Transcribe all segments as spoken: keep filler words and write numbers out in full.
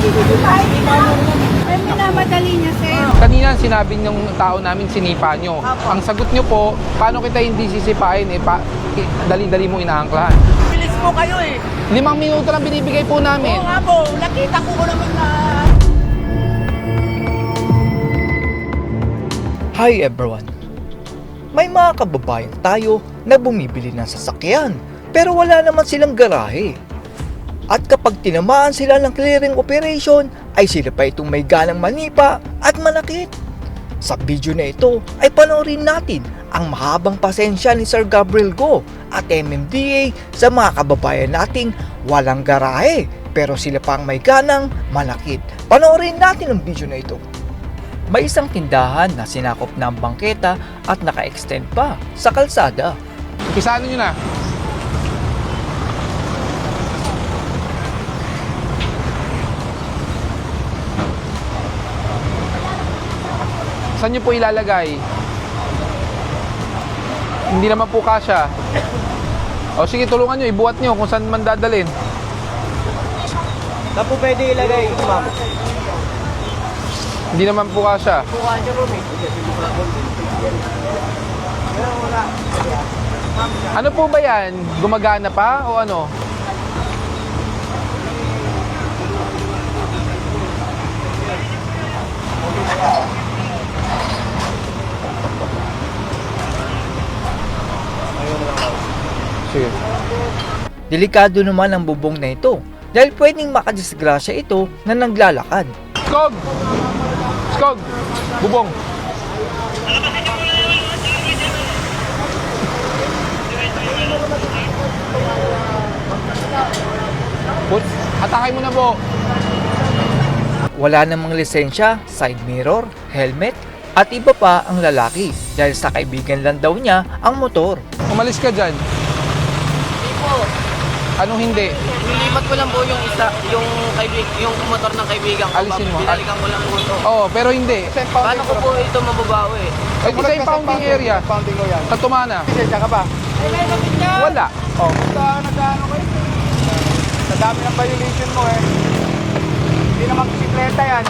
Ay, minamadali niya, sir. Kanina sinabi ng tao namin sinipa nyo. Ang sagot nyo po, paano kita hindi sisipain eh, pa, eh dali-dali mo inaangklahan. Bilis mo kayo eh. Limang minuto lang binibigay po namin. Oo nga po, nakita ko ko naman na... Hi everyone! May mga kababayan tayo na bumibili ng sasakyan pero wala naman silang garahe. At kapag tinamaan sila ng clearing operation ay sila pa itong may ganang manipa at manakit. Sa video na ito ay panoorin natin ang mahabang pasensya ni Sir Gabriel Go at M M D A sa mga kababayan nating walang garahe pero sila pa ang may ganang manakit. Panoorin natin ang video na ito. May isang tindahan na sinakop ng bangketa at naka-extend pa sa kalsada. Umpisaan nyo na. Saan nyo po ilalagay? Hindi naman po kasya. O sige, tulungan nyo, ibuhat nyo kung saan man dadalhin. Saan po pwede ilagay, ma'am? Hindi naman po kasya. Buka niyo po, eh. Ano po ba yan? Gumagana pa o ano? Sige. Delikado naman ang bubong na ito dahil pwedeng makadisgrasya ito na naglalakad. Skog! Skog! Bubong! Put, atake mo na po. Wala namang lisensya, side mirror, helmet, at iba pa ang lalaki dahil sa kaibigan lang daw niya ang motor. Umalis ka dyan. Hindi po. Anong hindi? Nilipat ko lang po yung isa, yung kaibig, yung motor ng kaibigan ko. Alisin mo. Binalikan ko lang po ito. Oo, pero hindi. Paano ko po ito mababawi? Ay, isa yung pounding area. Pounding ko yan. Sa Tumana. Lisensya ka ba? Wala. Oh. Basta nag-ano kayo? Sa dami ng violation mo eh. Hindi naman bisikleta yan.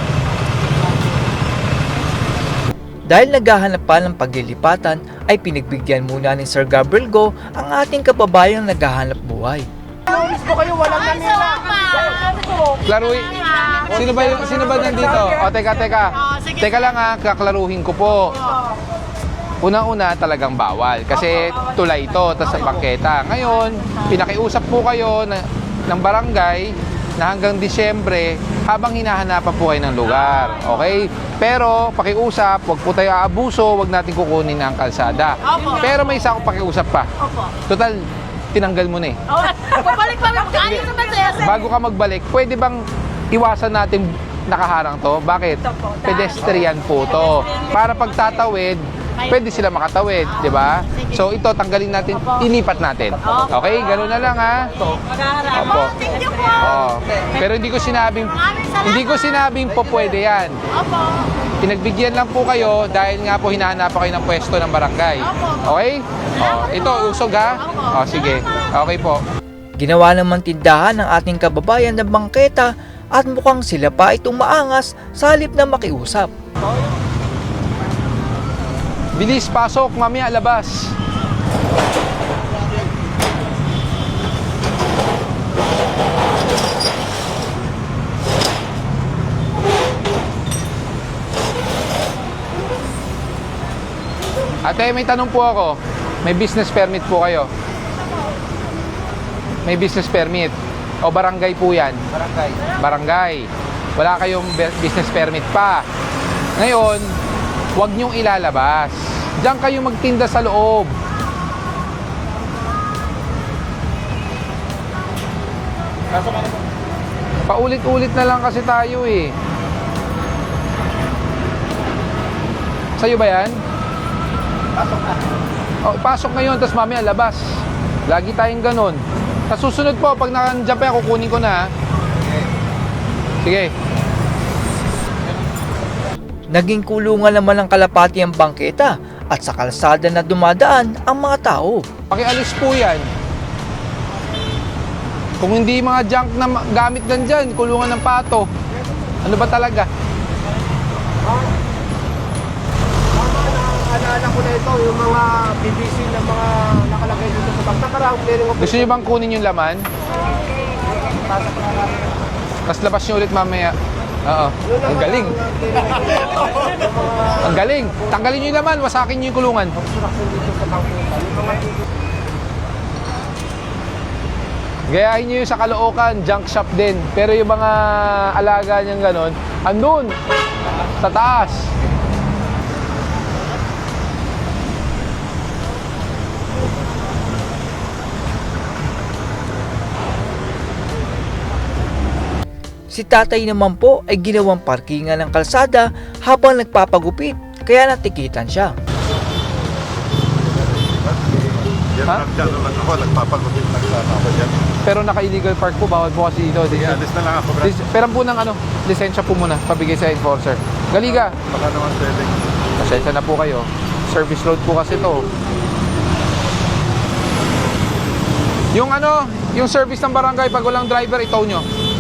Dahil naghahanap pa ng paglilipatan ay pinagbigyan muna ni Sir Gabriel Go ang ating kababayang naghahanap buhay. Naulis ko kayo, walang nanila. Klaruhin. Sino ba, yung- sino ba nandito? O, teka, teka. Teka lang ha, kaklaruhin ko po. Una-una talagang bawal kasi tulay ito, tas sa bangketa. Ngayon, pinakiusap po kayo na, ng barangay na hanggang Disyembre habang hinahanapan po kayo ng lugar. Okay? Pero pakiusap, wag po tayo aabuso, wag natin kukunin ang kalsada. Pero may isa akong pakiusap pa. Total, tinanggal mo na eh. Babalik pa rin. Ayos naman sa'yo, sir. Bago ka magbalik, pwede bang iwasan natin nakaharang to? Bakit? Pedestrian po to. Para pagtatawid, pwede sila makatawid, di ba? So ito, tanggalin natin, inipat natin. Okay? Ganun na lang ha. Opo. Thank you po. Oo. Pero hindi ko sinabing, hindi ko sinabing po pwede yan. Opo. Pinagbigyan lang po kayo dahil nga po hinahanapan kayo ng pwesto ng barangay. Okay? Oh, ito, usog ha? Oh, sige. Okay po. Ginawa naman tindahan ng ating kababayan ng bangketa at mukhang sila pa itong maangas sa halip na makiusap. Bilis, pasok, mamaya labas. Ate, may tanong po ako. May business permit po kayo? May business permit? O barangay po yan? Barangay. Barangay. Wala kayong be- business permit pa. Ngayon, huwag niyong ilalabas. Diyan kayo magtinda sa loob. Paulit-ulit na lang kasi tayo eh. Sa'yo ba yan? Pasok na. Oh, pasok ngayon, tapos mamaya labas. Lagi tayong ganun. Sa susunod po, pag nandiyan pa yan, kukunin ko na ha. Sige. Naging kulungan naman ng kalapati ang bangketa at sa kalsada na dumadaan ang mga tao. Pakialis po yan. Kung hindi mga junk na ma- gamit nandyan, kulungan ng pato. Ano ba talaga? Tama na, alala ko na ito, yung mga B B C na mga nakalagay dito sa bag. Nakarang clearing of Gusto niyo bang kunin yung laman? Tapos labas niyo ulit mamaya. Oo. Ang galing. Ang galing. Tanggalin niyo yung laman, wasakin niyo yung kulungan. Gayahin niyo yung sa Caloocan, junk shop din. Pero yung mga alaga niyang ganon, andun, sa taas. Si tatay naman po ay ginawang parkingan ng kalsada habang nagpapagupit, kaya natikitan siya. Yan Ha? ha? Dyan naman ako, nagpapagupit lang sana ako dyan. Pero naka-illegal park po, bawal po kasi dito. Sige, alis na lang ako, bro. Lis- Pero po ng ano, lisensya po muna, pabigay sa enforcer. Galiga, Baka naman pwedeng. pasensya na po kayo. Service road po kasi to. Yung ano, yung service ng barangay, pag walang driver, itaw nyo.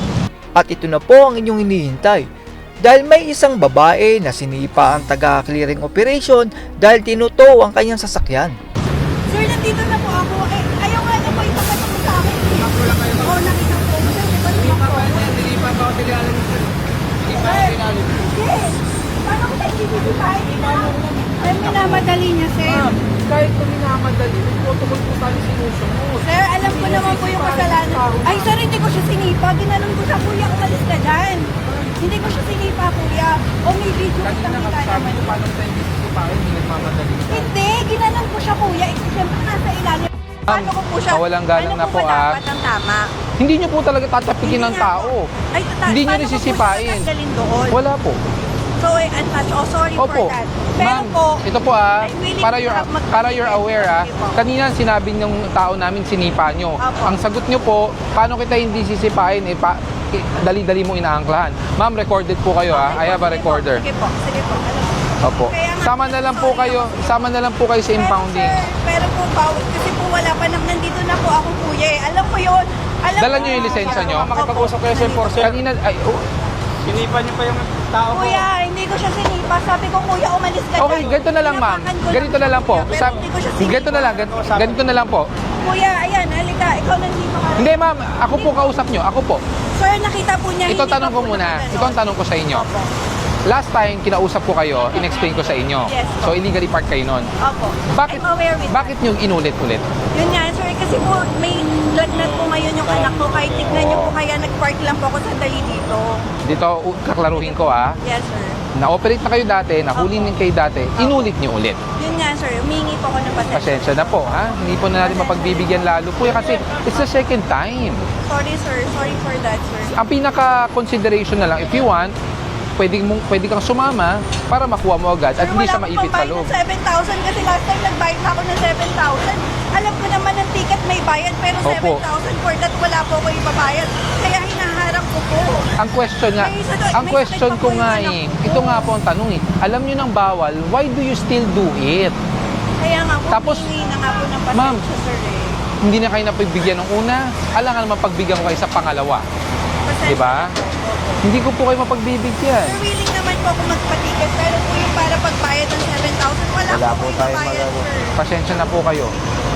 At ito na po ang inyong hinihintay. Dahil may isang babae na sinipa ang taga-clearing operation dahil tinuto ang kanyang sasakyan. Sir, nandito na po ako. Eh, ayaw nga na po ipapatong mo sa akin. Oo, nakita ko. Sir, di ba niyo po? Hindi pa ba ako tilalan nito? Hindi pa ako tilalan. Yes. Paano ko tayo sisisipay? Sir, minamadali niya, sir. Kahit kung minamadali, may protocol po tayo sinusunod. Sir, alam ko naman po yung kasalanan. Ay, sir, hindi ko siya sinipa. Ginanon ko siya, kuya, umalis ka dyan. Hindi ko siya sinipa, kuya. O may video ko Kanina kita nagsabi naman. ko paano tayo hindi sisipain, hindi nagmamadali. Hindi, ginanon ko siya, kuya. Eh, siyempre, nasa ilalim. Paano ko po siya? mawalang galang ano na po, ba ah. dapat ang tama? Hindi nyo po talaga tatapikin ng Hindi nga tao. Ay, tata- Hindi nyo paano rin ko po siya sisipain. tatanggalin doon? Wala po. So, eh, untouched. Oh, sorry Opo. for that. Pero Ma'am, po, ito po ah, I'm willing para to you're, have mag- para you're aware ah, Okay po. kanina sinabi ng tao namin sinipa nyo. Opo. Ang sagot nyo po, paano kita hindi sisipain, eh, pa, eh, dali-dali mo inaangklahan. Ma'am, recorded po kayo ah, I have a sige po, recorder. Sige po, sige po. Alam ko. Opo. Kaya nga, Sama na lang po sorry kayo, ako. sama na lang po kayo sa impounding. Pero, sir, pero po, bawal. Kasi po wala pa nang nandito na po ako, kuya. Eh. Alam ko yun. Alam Dala ko nyo yung yun. lisensya nyo? Makipag-usap kayo sa enforcer. Kanina, ay, oh, Sinipa niyo pa yung tao ko. Kuya, hindi ko siya sinipa. Sabi ko, kuya, umalis ka okay, dyan. ganito na lang ma'am. Tinapakan ko Ganito na lang po. Pero Sa, hindi ko siya sinipa. ganito na lang, gan- ganito na lang po. Kuya, ayan, halika. Ikaw nandito ka. Hindi ma'am, ako po kausap nyo, ako po. Sir, nakita po niya. Ito hindi tanong pa ko po muna. nakaganon. Ito ang tanong ko sa inyo. Opo. Last time kinausap ko kayo, in-explain ko sa inyo. Yes. So illegally park kayo nun. Opo. Bakit I'm aware with bakit nyo inulit-ulit? Yun nga, sir, kasi po may lagnat po ngayon yung anak ko. Kahit tignan niyo po kaya nag-park lang po ako sandali dito. Dito u- kaklaruhin ko ah. Yes, sir. Na-operate na kayo dati, nahuli din kayo dati, inulit nyo ulit. Yun nga, sir. Humingi po ako ng pasensya. Pasensya na po ha. Hindi po na natin mapagbibigyan lalo po eh, kasi it's the second time. Sorry, sir. Sorry for that, sir. Ang pinaka-consideration na lang, if you want, pwede, mong, pwede kang sumama para makuha mo agad at Sir, hindi wala siya akong maipit sa pambayad loob. ng seven thousand kasi last time nagbayad na ako ng seven thousand. Alam ko naman ang ticket may bayad pero Opo. seven thousand for that wala po ko ibabayad. Kaya hinaharap ko po. Ang question nga, May isa doon- ang may question sakit pa ko po nga yung eh, anak ko. ito nga po ang tanong eh, alam nyo ng bawal, why do you still do it? Kaya nga po, Tapos, humingi na nga po ng pasensya, ma'am, sir eh. Hindi na kayo napagbigyan ng una, alangan naman pagbigyan ko kayo sa pangalawa. Pasensya Di ba? na po. Opo. Hindi ko po kayo mapagbibigyan. Sir, willing naman po ako magpatiket pero po yung para pagbayad ng seven thousand, wala, Wala po po ko tayo ibabayad, magagawa. sir. Pasensya na po kayo.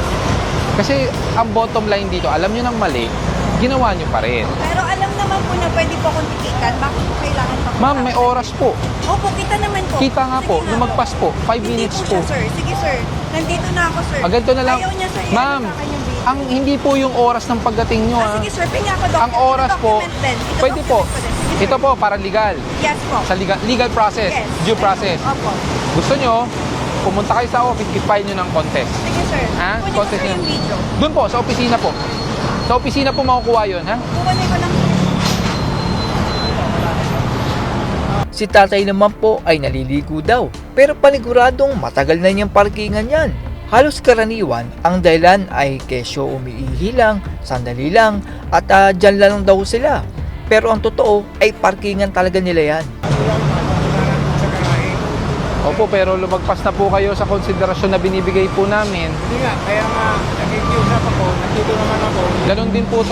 Kasi ang bottom line dito, alam nyo ng mali, ginawa nyo pa rin. Pero alam naman po na pwede po akong tikitan. Bakit po kailangan pa po? Ma'am, may oras po. Opo, kita naman po. Kita nga po, Sige nga lumagpas po, five Hindi minutes po. po. Siya, sir. Sige, sir. Nandito na ako, sir. Ah, ganito na lang. Ayaw niya, sir. Ma'am, Ano sa akin yung video? ang hindi po yung oras ng pagdating nyo Ah, ah. sige, sir. Pinga ako document. Ang oras po, Document din. Ito pwede po. document ko din. Sige, sir. Ito po, para legal. Yes po. Sa legal, legal process, Yes. due process. Opo. Gusto nyo, pumunta kayo sa office, i-file nyo ng contest. Sige, sir. Ha? Kunin ko, Contest sir, nyo. yung video. Doon po, sa opisina po. Sa opisina po makukuha yun, ha? Kukunin ko lang. Si tatay naman po ay naliligo daw, pero paniguradong matagal na niyang parkingan yan. Halos karaniwan, ang dahilan ay kesyo umiihi lang, sandali lang, at uh, dyan lang daw sila. Pero ang totoo ay parkingan talaga nila yan. Opo, pero lumagpas na po kayo sa konsiderasyon na binibigay po namin. Hindi nga, kaya nga, nakikiusap ako, nandito naman ako. Ganon din po to.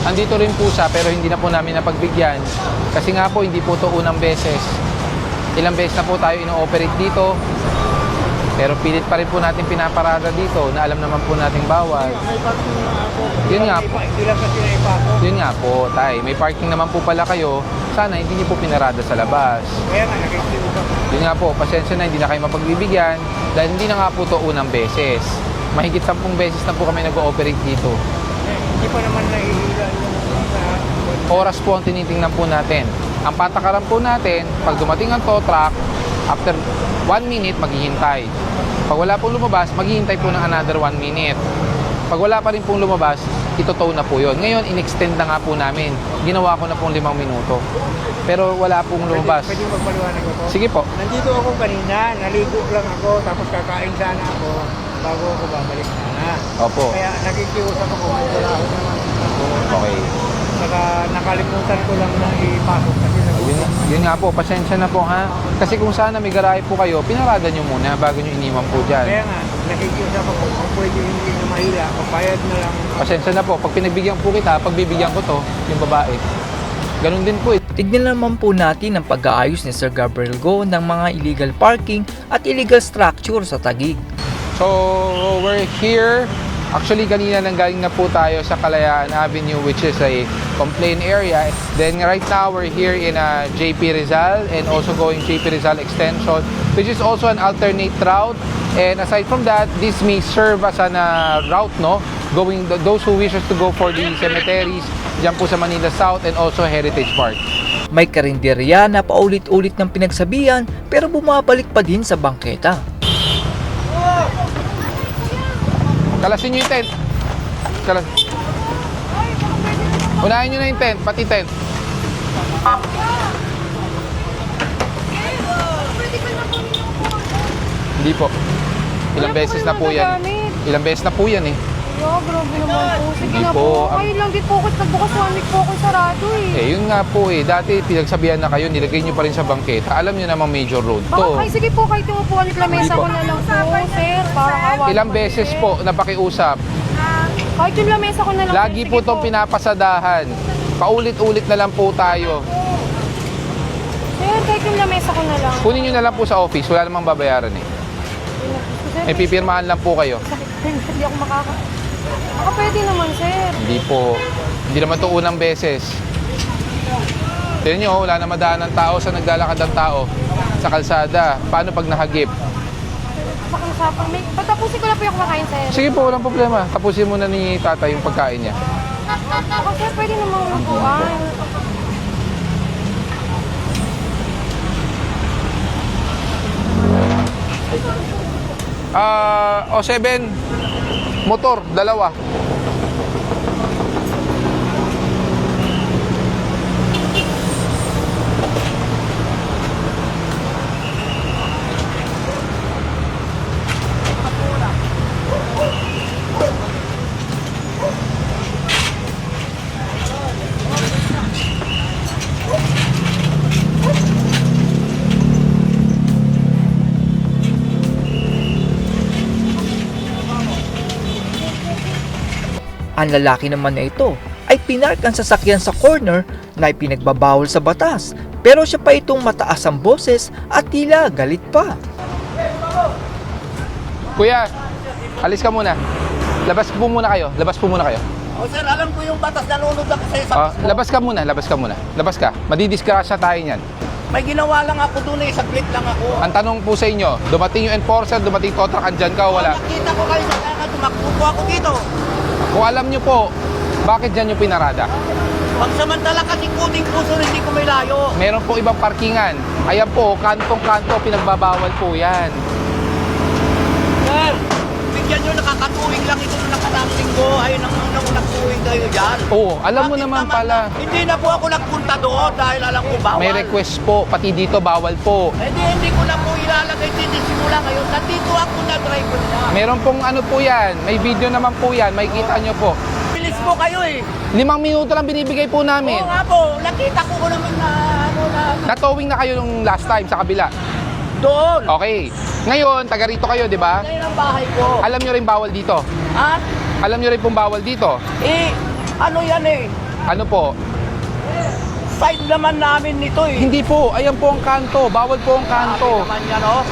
andito rin po siya pero hindi na po namin napagbigyan. Kasi nga po, hindi po to unang beses. Ilang beses na po tayo ino-operate dito. Pero pilit pa rin po natin pinaparada dito na alam naman po nating bawal. May parking na ako. Yun nga po. Hindi lang kasi naipasok. Yun nga po, tay. May parking naman po pala kayo. Sana hindi niyo po pinarada sa labas. Kaya nga, nakikinig ako. Yun nga po, pasensya na, hindi na kayo mapagbibigyan dahil hindi na nga po to unang beses. Mahigit sampung beses na po kami nag-ooperate dito. Eh, hindi pa naman nahihila yung sa... Oras po ang tinitingnan po natin. Ang patakaran po natin, pag dumating ang tow truck, after one minute, maghihintay. Pag wala pong lumabas, maghihintay po ng another one minute. Pag wala pa rin pong lumabas, ito-tow na po yun. Ngayon, in-extend na nga po namin. Ginawa ko na pong limang minuto. Pero wala pong lumabas. Pwede, pwede magpaliwanag ako? Sige po. Nandito ako kanina, naligo lang ako, tapos kakain sana ako bago ako babalik sana. Opo. Kaya nakikiusap ako, wala ako naman ako. Okay. Saka nakalimutan ko lang na ipasok kasi Yun, nagulat. yun nga po, pasensya na po ha. Kasi kung sana may garahe po kayo, pinarada nyo muna bago nyo iniwan po Kaya dyan. nga, nakikiusap ako, kung pwede hindi na mahila, papayad na lang. Pasensya na po, pag pinagbigyan po kita, pagbibigyan ko to, yung babae. Ganun din po eh. Tignan naman po natin ang pag-aayos ni Sir Gabriel Go ng mga illegal parking at illegal structure sa Taguig. So, we're here. Actually, kanina nang galing na po tayo sa Kalayaan Avenue, which is a complaint area. Then right now, we're here in uh, J P Rizal and also going J P Rizal Extension, which is also an alternate route. And aside from that, this may serve as an uh, route, no? Going, those who wishes to go for the cemeteries, dyan po sa Manila South and also Heritage Park. May karinderya na paulit-ulit ng pinagsabihan pero bumabalik pa din sa bangketa. Kalasin nyo yung tent. Kalas. Unahin nyo na yung tent, pati tent. Hindi po. Ilang beses na po yan. Ilang beses na po yan eh. Yo, grabe naman po. Sige Hindi na po, po. ang- Kayo lang din po ako nagbukas one week po ako sarado eh. Eh, yun nga po eh. Dati pinagsabihan na kayo, nilagay nyo pa rin sa bangketa. Alam nyo namang major road Baka to. kayo, sige po, kahit yung upuan at lamesa Hindi po. ko na lang po, sir. Parang awa Ilang naman, beses sir. po napakiusap. Kahit yung lamesa ko na lang. Lagi sir. po Sige itong pinapasadahan. Paulit-ulit na lang po tayo. Sir, kahit yung lamesa ko na lang. Kunin nyo na lang po sa office. Wala namang babayaran eh. Sir, May pipirmahan lang po kayo. sakit. Hindi ako makaka... Baka pwede naman, sir. Hindi po. Hindi naman to unang beses. Tignan nyo, wala na madaan ng tao sa naglalakad ng tao sa kalsada. Paano pag nahagip? Baka usapang may... Patapusin ko na po yung kumakain, sir. Sige po, walang problema. Tapusin muna ni tatay yung pagkain niya. Baka, sir, pwede namang upuan. Ah, o seven, motor, dalawa. Ang lalaki naman na ito ay pinark ang sasakyan sa corner na ipinagbabawal sa batas. Pero siya pa itong mataas ang boses at tila galit pa. Kuya, alis ka muna. Labas po muna kayo. Labas po muna kayo. O sir, alam ko yung batas na nunod ako sa isang Ah, labas ka muna, labas ka muna. Labas ka. Madidiskrasya tayo niyan. May ginawa lang ako doon eh, saglit lang ako. Ang tanong po sa inyo, dumating yung enforcer, dumating tow truck, andyan ka o wala? Nakita ko kayo sa kanya, tumakbo po ako dito. Kung alam nyo po, bakit dyan yung pinarada? Pagsamantala kasi kuting puso hindi ko may layo. Meron po ibang parkingan. Ayan po, kantong-kanto, pinagbabawal po yan. Sir, bigyan nyo nakakatuwing lang ito nung nakatang linggo. Ay, nang nang nagtuwing kayo dyan. Oo, alam mo Bakit naman pala. Hindi na po ako nagpunta doon dahil alam ko bawal. May request po, pati dito bawal po. Eh di, hindi ko na po ilalagay dito simula ngayon. Nandito ako na driver na. Meron pong ano po yan, may video naman po yan, may kita nyo po. Bilis po kayo eh. Limang minuto lang binibigay po namin. Oo nga po, nakita ko ko naman na ano na Natowing na kayo nung last time sa kabila. doon. Okay. Ngayon, taga rito kayo, di ba? Ngayon ang bahay ko. Alam nyo rin bawal dito. At Alam nyo rin pong bawal dito. eh, ano yan eh. Ano po? Side naman namin nito eh. Hindi po, ayan po ang kanto. Bawal po ang kanto. Naman yan, oh.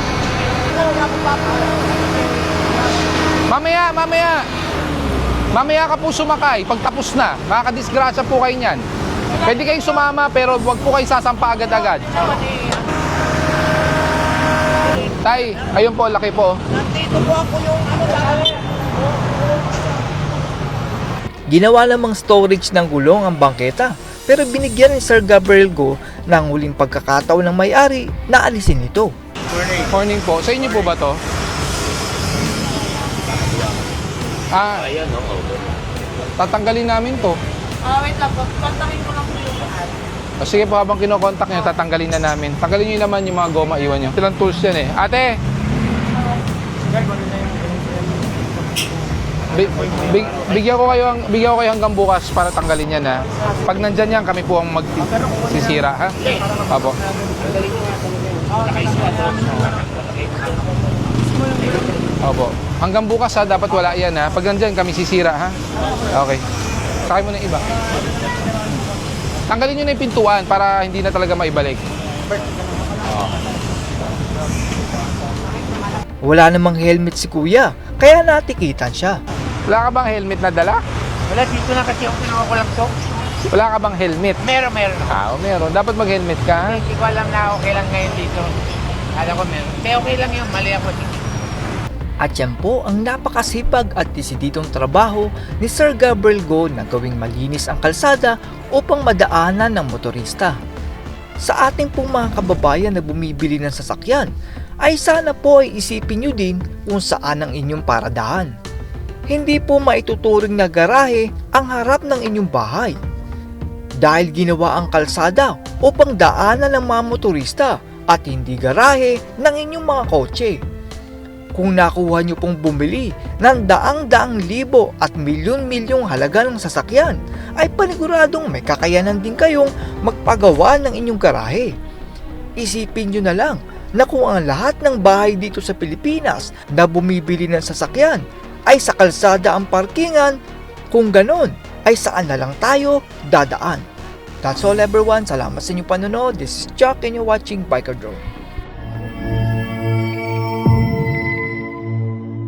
Mamaya, mamaya. Mamaya ka po sumakay. Pag tapos na, makakadisgrasya po kayo niyan. Pwede kayong sumama pero wag po kayo sasampa agad-agad. Tay, ayun po, laki po. Nandito po ako yung ano lang. Ginawa namang storage ng gulong ang bangketa, pero binigyan ni Sir Gabriel Go ng huling pagkakataon ng may-ari na alisin ito. Morning po. Sa inyo po ba to? Ah, tatanggalin namin to. Ah, wait lang po. Kontakin ko lang po yung lahat. O sige po, habang kinokontak nyo, tatanggalin na namin. Tanggalin nyo naman yung mga goma, iwan nyo. Silang tools yan eh. Ate! Bi- big- bigyan ko kayo ang bigyan ko kayo hanggang bukas para tanggalin yan ha. Pag nandyan yan, kami po ang magsisira ha. Apo. Opo. Hanggang bukas ha, dapat wala yan ha. Pag nandyan, kami sisira ha. Okay. Sakay mo na yung iba. Tanggalin nyo na yung pintuan para hindi na talaga maibalik. Wala namang helmet si kuya, kaya natikitan siya. Wala ka bang helmet na dala? Wala, dito na kasi ako kinuha ko lang to. Wala ka bang helmet? Meron, meron. Ah, oh, meron. Dapat mag-helmet ka ha. Hindi ko alam na okay lang ngayon dito. Alam ko meron. Pero okay lang yun, mali ako. At yan po ang napakasipag at desididong trabaho ni Sir Gabriel Go na gawing malinis ang kalsada upang madaanan ng motorista. Sa ating pong mga kababayan na bumibili ng sasakyan, ay sana po ay isipin nyo din kung saan ang inyong paradahan. Hindi po maituturing na garahe ang harap ng inyong bahay. Dahil ginawa ang kalsada upang daanan ng mga motorista at hindi garahe ng inyong mga kotse. Kung nakuha nyo pong bumili ng daang-daang libo at milyon-milyong halaga ng sasakyan, ay paniguradong may kakayanan din kayong magpagawa ng inyong garahe. Isipin nyo na lang na kung ang lahat ng bahay dito sa Pilipinas na bumibili ng sasakyan ay sa kalsada ang parkingan, kung ganon ay saan na lang tayo dadaan. That's all everyone. Salamat sa inyong panonood. This is Chuck and you're watching Biker Drone.